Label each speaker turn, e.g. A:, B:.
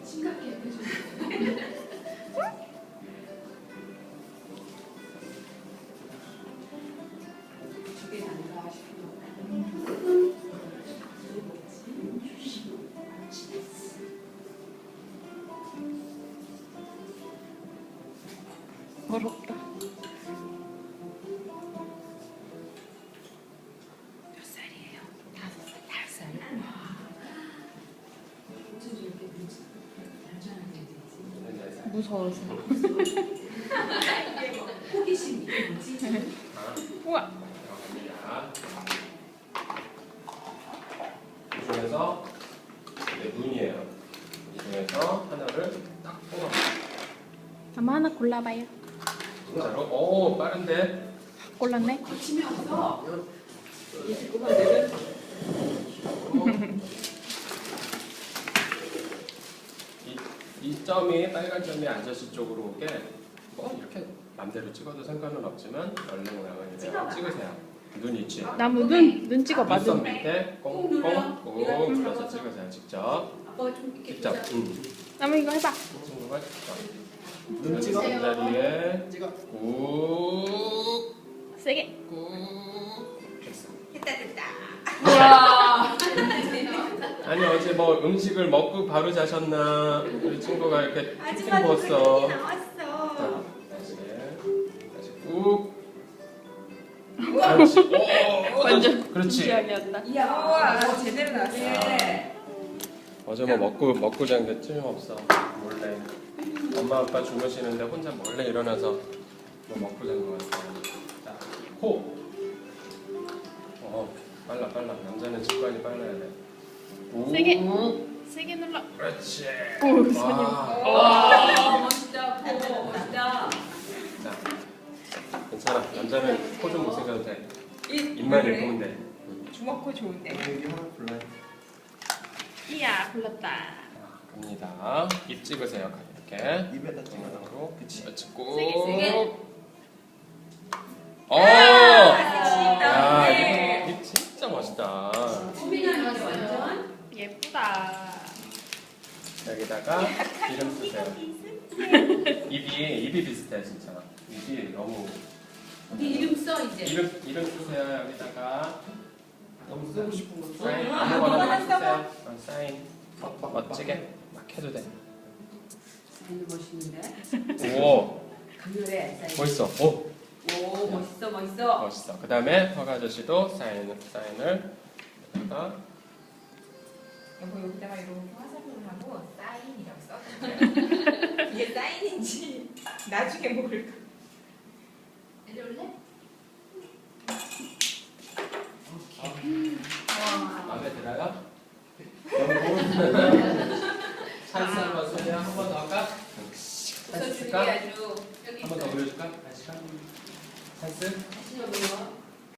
A: 심각해 표정. 저게 난가 싶어.
B: 어렵다.
A: 몇 살이에요? 5살. 5살? 와. 어쩜 저렇게 얌전하게 되지?
B: 무서워서.
A: 호기심 이게 뭐지?
B: 우와.
C: 이 중에서 눈이에요. 이 중에서 하나를 딱 뽑아봐요.
B: 아마 하나 골라봐요.
C: 진짜로? 오, 빠른데?
B: 골랐네.
A: 거침이 없어.
C: 이 점이 빨간 점이 아저씨 쪽으로 오게 이렇게 맘대로 찍어도 상관은 없지만 원래 모양은 이대로 찍으세요. 눈 있지?
B: 나무 눈 찍어봐.
C: 눈썹
B: 눈.
C: 밑에
A: 꼭 눌러.
C: 꽁꽁 눌러서 찍으세요. 직접.
A: 아빠가 좀 이렇게
C: 직접.
B: 나무 이거 해봐.
C: 친구가 직접.
D: 눈 찍어.
C: 이 자리에
D: 찍어.
C: 꾹
B: 세게.
C: 꾹 됐어.
A: 됐다.
B: 우와.
C: 아니 어제 뭐 음식을 먹고 바로 자셨나? 우리 친구가 이렇게 팅팅 부었어.
A: 나왔어.
C: 다시 꾹. 그렇지. 오,
B: 완전
C: 그렇지.
B: 진지하게였다.
A: 이야, 제대로 나왔어.
C: 어제 뭐 먹고 잔 게 틀림없어. 몰래. 엄마 아빠 주무시는데 혼자 몰래 일어나서 뭐 먹고 잔 거 같아. 자, 코. 빨라. 남자는 직관이 빨라야 돼. 오.
B: 세게 눌러.
C: 그렇지.
B: 오, 손이.
A: 와, 멋있다. 멋있다.
C: 자, 괜찮아. 남자는 코 좀 못생겨도 돼. 입만
A: 그래?
C: 예쁘면 돼.
A: 주먹코 좋은데.
D: 여기 하나 골라요.
B: 이야, 골랐다.
C: 갑니다. 입 찍으세요. 이렇게.
D: 입에다 찍어.
C: 정면으로.
D: 그치.
C: 그렇지. 꾹.
B: 세게.
C: 야,
A: 네.
C: 입 진짜 멋있다.
A: 소민이한테 완전.
B: 예쁘다.
C: 여기다가 이름 쓰세요. 입이 비슷해 진짜. 입이 너무.
A: 네 이름 써 이제.
C: 이름 쓰세요. 여기다가
D: 너무 쓰고 싶은 거 써.
C: 사인
A: 아무거나
C: 아무거나 쓰세요. 사인 멋지게 막 해도 돼.
A: 사인도 멋있는데.
C: 오,
A: 강렬해. 사인.
C: 멋있어. 오,
A: 오, 멋있어.
C: 멋있어. 그 다음에 허가 아저씨도 사인을 여기다가
A: 여기다가 이런 화살표를 하고 사인이라고 써. 이게 사인인지 나중에 모를까. 내려올래? 와.
C: 마음에 들어요? 찬스 한번 쓰세요. 한 번 더 할까?
A: 웃어주는 게
C: 할까?
A: 아주 여기
C: 한 번 더 보여줄까? 다시 가. 찬스?
A: 다시 여기요.